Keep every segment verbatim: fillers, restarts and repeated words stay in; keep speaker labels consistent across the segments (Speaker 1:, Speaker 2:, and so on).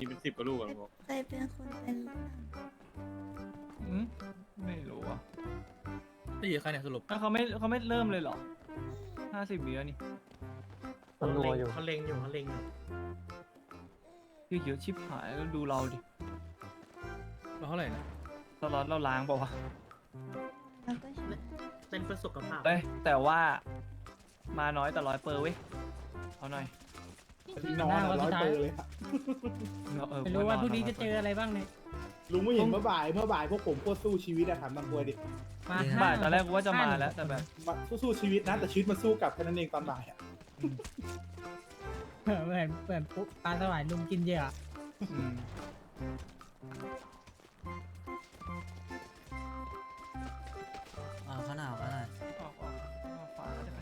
Speaker 1: เป็นสิบกว่าลูกอะลุงบอก
Speaker 2: ใครเป็นคนเป็นเรื่อง
Speaker 3: อืมไม่รู้อ่ะ
Speaker 1: ตีใครเนี่ยสรุป
Speaker 3: แล้วเขาไม่เขาไม่เริ่มเลยเหรอห้าสิบวิแล้วนี่
Speaker 4: เขาเล็งอยู่
Speaker 5: เขาเล็งอยู่เขาเล็งอยู่
Speaker 3: คือเยอะชิบหายแล้วดูเราดิ
Speaker 1: เราเท่าไหร่นะ
Speaker 3: ตลอดเราล้างเปล่าวะ
Speaker 2: แล้วก็ใช้
Speaker 5: เล่นเพื่อสุขภาพ
Speaker 3: เอ้ยแต่ว่ามาน้อยแต่ร้อยเปอร์เว้ยเอาหน่อย
Speaker 6: นอนอะร้อยเปอร์เลยอะ
Speaker 3: เออ
Speaker 7: ไม่รู้ว่าพรุ่งนี้จะเจออะไรบ้างเนี่ย
Speaker 6: ลุงไม่เห็นเมื่อบ่ายเมื่อบ่ายพวกผมโคตรสู้ชีวิตอะถามบางควยดิ
Speaker 7: มา
Speaker 3: บ่ายตอนแรกกูว่าจะมาแล้วแต่แบบ
Speaker 6: มาสู้ๆชีวิตนะแต่ชีวิตมาสู้กลับแค่นั้นเองตอนบ่ายอะ
Speaker 7: เหมือนเหมือนปุ๊บปลาสวายลุมกินเหยื่อ
Speaker 3: อืม
Speaker 4: อ่าเขาหนาวเขาหนาว
Speaker 3: ออกออกออกขวาได้ไหม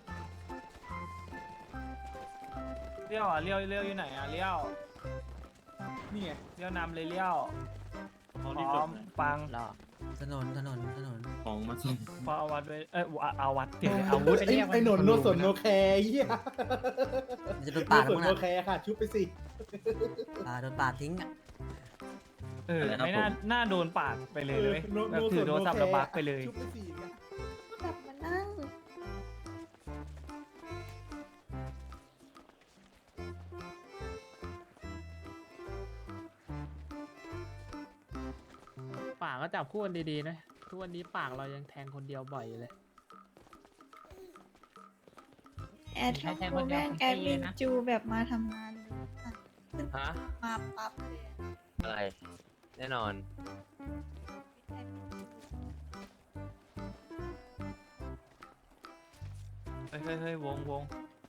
Speaker 3: เลี้ยวอ่ะเลี้ยวเลี้ยวอยู่ไหนอ่ะเลี้ยว
Speaker 6: นี่ไง
Speaker 3: เลี้ยวนำเลยเลี้ยว
Speaker 1: เขา
Speaker 3: พ
Speaker 1: รีบ
Speaker 3: ร้
Speaker 1: จ
Speaker 3: อบ ม
Speaker 1: นะ
Speaker 3: ปัง
Speaker 4: ถนนถนนถนน
Speaker 1: ของมาส่ง
Speaker 3: พอเอาวัดไว้เอ้ยเอาวัดเดี๋ยวอาวุธ
Speaker 6: ไอ้ไอ้หนนโนสนโนแคร์เฮีย
Speaker 4: มันจะโดน
Speaker 6: โน
Speaker 4: ปาด
Speaker 6: สน
Speaker 4: มั้ง
Speaker 6: โน
Speaker 4: นะ
Speaker 6: แคร์ค่ะชุบไปสิ
Speaker 4: อ่าโดนปาดทิ้งอ่ะ
Speaker 3: เออไม่น่าน่าโดนปาดไปเลยเลยแบบถือโทรศัพท์แล้วบักไปเลย
Speaker 6: ชุบไปสิ
Speaker 2: กลับมานั่ง
Speaker 7: ปากก็จับคู่กันดีๆนะทุกวันนี้ปากเรายังแทงคนเดียวบ่อยอยู่เลย
Speaker 2: แอดทำโปรแม่งแอดมินจูแบบมาทำงานเลยอะขึ้น
Speaker 8: ฮะ
Speaker 2: มาปั๊บเลยอะ
Speaker 8: อะไร แน่นอน
Speaker 3: เฮ้ยเฮ้ยเฮ้ยวงวง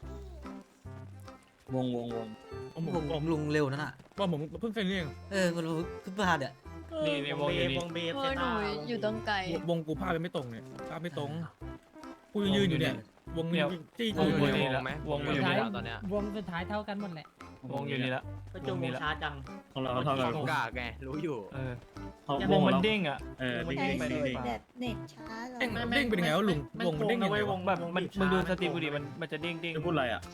Speaker 1: วงวงวงผม
Speaker 4: ลุง
Speaker 1: ผม
Speaker 4: ลุงเร็วนั่นอ่ะ
Speaker 1: ว่าผมเพิ่งเคยเรียน
Speaker 4: เออมันเพิ่งพลาดอ่ะ
Speaker 3: นี่ในวงอยู่นี่
Speaker 5: วงเบฟ
Speaker 2: เพ
Speaker 5: เซ
Speaker 2: ราะห
Speaker 5: ตา
Speaker 2: นูอยู่ตรงไกล
Speaker 1: วงกูภาพไปไม่ตรงเนี่ยภาพไม่ตรงกูยืนอยู่เนี่ย วงยืนจี้
Speaker 3: ว
Speaker 1: กู
Speaker 3: ง
Speaker 1: อ
Speaker 3: อยู่
Speaker 1: ยู่
Speaker 3: นี่
Speaker 1: เนี่ย
Speaker 3: ละ
Speaker 8: ไหม
Speaker 3: วงอยู่
Speaker 8: วง
Speaker 3: นี่
Speaker 8: อยู่
Speaker 3: ละ
Speaker 8: ตอนเนี้ยว
Speaker 7: งสุดท้ายเท่ากันหมดแหละ
Speaker 3: วงอยู่นี่ละ
Speaker 5: ก็จงวงช้าจัง
Speaker 1: ของเราเท่ากัน
Speaker 8: กากไง รู้อยู่
Speaker 3: เออ
Speaker 1: เขา
Speaker 3: ว
Speaker 1: ว
Speaker 3: ง
Speaker 1: ง
Speaker 3: มัน
Speaker 1: เรา
Speaker 3: เด้งอ่ะ
Speaker 1: เออ
Speaker 3: วง
Speaker 1: เด้ง
Speaker 3: มัน
Speaker 1: ไป
Speaker 3: เด้ง
Speaker 1: เด้ง
Speaker 3: ไป
Speaker 2: แบบเน็ตช้าเหรอ
Speaker 1: เด้งเด้งเป็นยังไงวะลุงวงมันเด้งยังไงวะ
Speaker 3: แบบมันมึงดูสตรีมกูดิมันมันจะเด้งเด้ง
Speaker 1: จะพูดอะไรอ่ะ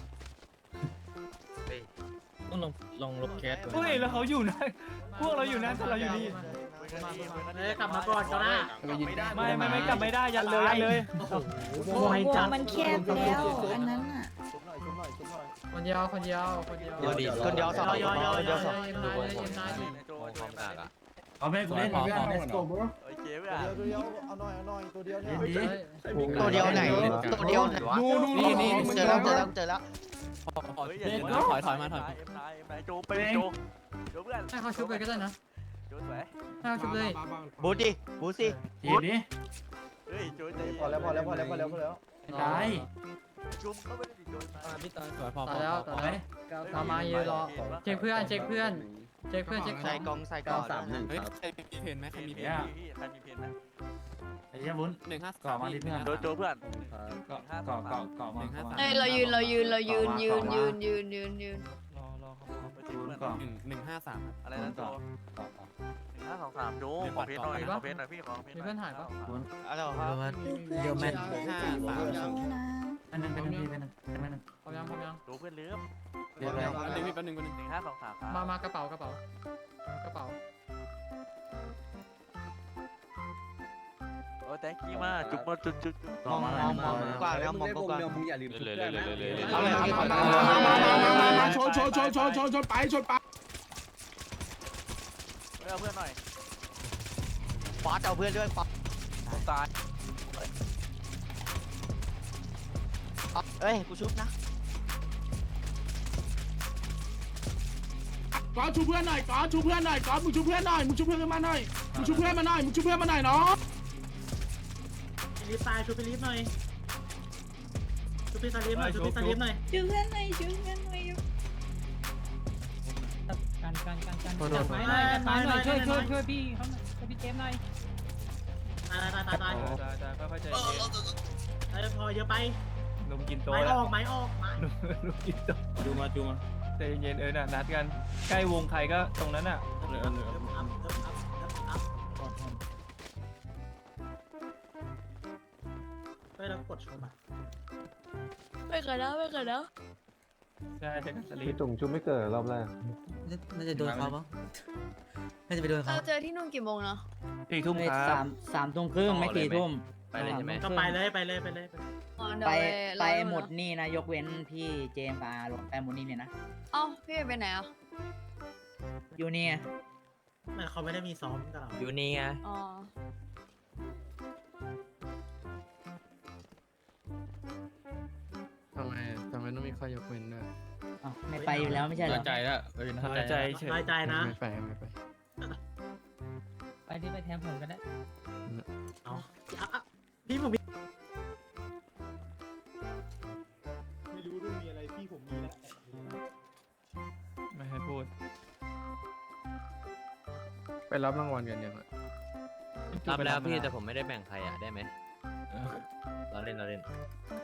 Speaker 8: เฮ้ย
Speaker 1: ต้องลองลองลบแคส
Speaker 3: เฮ้ยแล้วเขาอยู่นะพวกเราอยู่นะแต่เราอยู่นี่
Speaker 5: เอ้ยกลับมาก่อนก็ได้
Speaker 3: ไม่ไม่ไม่กลับไม่ได้ยันเลยยันเลย
Speaker 2: วงวงมันแคบแล้วอันนั้นอ่ะ
Speaker 7: คนเดียวคนเดียวคนเดียว
Speaker 8: เดี๋ยวดิคนเดียวสอง
Speaker 5: ย่อยๆๆๆ
Speaker 8: คนเดียวสอง
Speaker 7: เอ็มนายเลยเอ็มนายดิ
Speaker 8: วงความกากอ่ะ
Speaker 1: เอาแม่กูเล่นเพื่อนเล่นก่อน
Speaker 8: โอเคเพื่อน
Speaker 6: ตัวเดียวเอาหน่อยเอาหน่อยตัวเดียวเนี่ย
Speaker 4: ตัวเดียวไหนตัวเดียวไหน
Speaker 6: ดูดู
Speaker 4: นี่นี่เจอแล้วเจอแล้วเจอแล้ว
Speaker 8: ถอยถอยมาถอยเอ็มนายเอ็มนายโจไปโจโจเพื่อน
Speaker 7: ให้เขาชุบเลยก็ได้นะ
Speaker 8: โจสวย
Speaker 7: ให้เขาชุบเลย
Speaker 8: บูดิบูสิ
Speaker 1: ทีนี้
Speaker 8: เฮ้ยโจใจ
Speaker 6: พอแล้วพอแล้วพอแล้วพอแล้วพอแล้ว
Speaker 7: ได้
Speaker 8: จุ่มเข้าไปดิโจมา
Speaker 1: พี่ตอนสวยพอ
Speaker 7: ต่อแล้วต่อแล้วตามมายืนรอเช็คเพื่อนเช็คเพื่อนเช็คเพื่อนเช็คข
Speaker 8: ใส่
Speaker 7: อง
Speaker 8: กองใส่กองสามหนึ่ง
Speaker 1: เฮ้ยใครมีเพนไหมใครมีเพน
Speaker 8: ใครมีเพนไหม
Speaker 1: ไอ้เหี้ยวุ้นหนึ่งห้าก่อมาดิเพื่อน
Speaker 8: โจโจเพื่อน
Speaker 1: ก่อก่อก่อก่อมาก่อมา
Speaker 2: เอ้ยเรายืนเรายืนเรายืนยืนยืนยืนยืนยืน
Speaker 3: รอรอเขา
Speaker 8: ไปจีบเพื่อน
Speaker 1: ก่อหนึ่งหนึ่งห้าสาม
Speaker 8: อะไรนะโจ
Speaker 1: ก่อก่อ
Speaker 8: หนึ่งห้าสองสามโจขอเพนหน่อยขอเพนหน่อยพี่ขอเพนหน่อย
Speaker 7: มีเพื่อนถ่ายปะ
Speaker 8: อะไรค
Speaker 4: เดี๋
Speaker 8: รั
Speaker 4: ยว
Speaker 8: บ
Speaker 4: มา
Speaker 2: ดูเพื่อน
Speaker 4: เดี๋ยวแม่น
Speaker 1: ห้าสาม
Speaker 2: เยอะนะ
Speaker 1: อันนึงเป็นนึงเป็นนึงเป็นนึง
Speaker 7: พร้อมยังพร้อมยัง
Speaker 8: โจเพื่อนเลือบ
Speaker 1: เดี๋ยวอะไรหนึ่งเป็นหนึ่งเป็นหนึ่ง
Speaker 8: หนึ่งห้าสองสามครับ
Speaker 7: มามากระเป๋ากระเป๋ากระเป๋า
Speaker 8: โอ้แตงกี้มากจุ๊บมาจุ๊บจุ๊บ
Speaker 1: ก่อมา
Speaker 4: มองมองกว้างแล้วมองกว้าง
Speaker 6: มึงอย่าลืม
Speaker 8: เลยเลยเลยเลยเลย
Speaker 6: เอาเลยเอาเลยมาชนชนชนชนชนชนไปชนไป
Speaker 8: เอาเพื่อนหน่อยฟาดเอาเพื่อนด้วยฟาดตายเอ้ยกูชุบนะ
Speaker 6: ก่อนชูเพื่อนหน่อยก่อนชูเพื่อนหน่อยก่อนมึงชูเพื่อนหน่อยมึงชูเพื่อนมาหน่อยมึงชูเพื่อนมาหน่อยมึงชูเพื่อนมาหน่อยเนาะ
Speaker 5: ฟิลิปตายชูฟิลิปหน่อยชูฟิสลิปหน่อยชูฟิสลิปหน่อย
Speaker 2: ช่วยเพื่อนหน่อยช่วยเพื่อนหน่อย
Speaker 7: กันกันกันกันจับไม้หน่อยจับไม้หน่อยช่วยช่วยช่วยพี่เขาหน่อยช่วยพี่เจมส์หน่อย
Speaker 5: ตายตายตายตาย
Speaker 3: ได้ได้ค่อยๆใจเย็น
Speaker 5: ตายพอเยอะไป
Speaker 3: นมกินโต
Speaker 5: ไม้
Speaker 3: แล้
Speaker 5: อ
Speaker 3: ว
Speaker 5: อกไม้ออกไม้
Speaker 3: นมนมกินโต
Speaker 1: จูมาจูมา
Speaker 3: ใจเย็นเออน่ะนัดกันใกล้วงใครก็ตรงนั้นอ่ะ
Speaker 1: เลยเออเลย
Speaker 5: เอิบอัพเอิบอัพเอิบอัพเฮ้ยเรากดชมอ่ะ
Speaker 2: ไม่กันนะไม่กันนะ
Speaker 3: ใช่ใช่สลี
Speaker 9: พี่
Speaker 3: ป
Speaker 9: ตุ่งชุบไม่เกิดรอบแรก
Speaker 4: น่าจะโดนเขาปะน่าจะไปโดนเขา
Speaker 2: เราเจอที่นู่นกี่โมงเนาะ
Speaker 3: สี่ทุ่มค
Speaker 7: สา
Speaker 3: รับ
Speaker 7: มสามทุ่มครึ่งไม่สี่ทุ่ม
Speaker 8: ไปเลยใช่ไหม
Speaker 5: ก็ไปเลยไปเลยไปเลย
Speaker 2: อ๋อเดี๋ยว
Speaker 7: ไป
Speaker 2: ไป
Speaker 7: ไป
Speaker 2: รอ
Speaker 7: หมด
Speaker 2: เนอะ
Speaker 7: นี่นะ ยกเว้นพี่เจมส์กับอาร์ลงไปหมดนี่เนี่ยนะ
Speaker 2: เอ้าพี่ไปไหนอ่ะ
Speaker 7: อยู่นี่ไง
Speaker 5: ไม่เขาไม่ได้มีซ้อมกับเรา
Speaker 8: อยู่นี่ไง
Speaker 2: อ๋อ
Speaker 9: ทำไมทำไมต้องมีข้อยกเว้นด้วย
Speaker 7: อ้าวไม่ไปอยู่แล้วไม่ใช่เหรอ
Speaker 1: ใจแล้วเออ
Speaker 3: น้อยใจเฉย
Speaker 5: น้อยใจนะ
Speaker 9: ไม่ไปไม่ไป
Speaker 7: ไปที่ไปแทนผมก็ได้
Speaker 5: เอาอ่ะอ่ะพี่ผมมี
Speaker 6: ไม่รู้ด้วยมีอะไรพี่ผมมีแล้ว
Speaker 3: ไม่ให้พูด
Speaker 9: ไปรับรางวัลกันยังอ่ะ
Speaker 8: รับแล้วพี่แต่ผมไม่ได้แบ่งใครอ่ะได้ไหมเราเล่นเราเล่น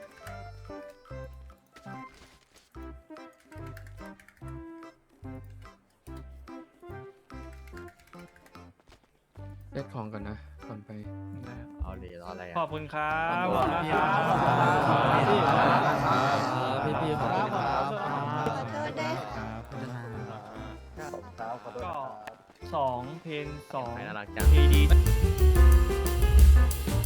Speaker 9: เซ็ตของก่อนนะก่อนไป
Speaker 8: เอาเลยรออะไร
Speaker 3: ขอ
Speaker 8: อ่ะ
Speaker 3: บคุณครับขอบคุณครับ
Speaker 1: พี่พี่ขอบคุณครับ
Speaker 2: ขอโทษด้วย
Speaker 3: ก็สองเพลงสอง
Speaker 8: ใครน่ารักจัง
Speaker 3: ทีดี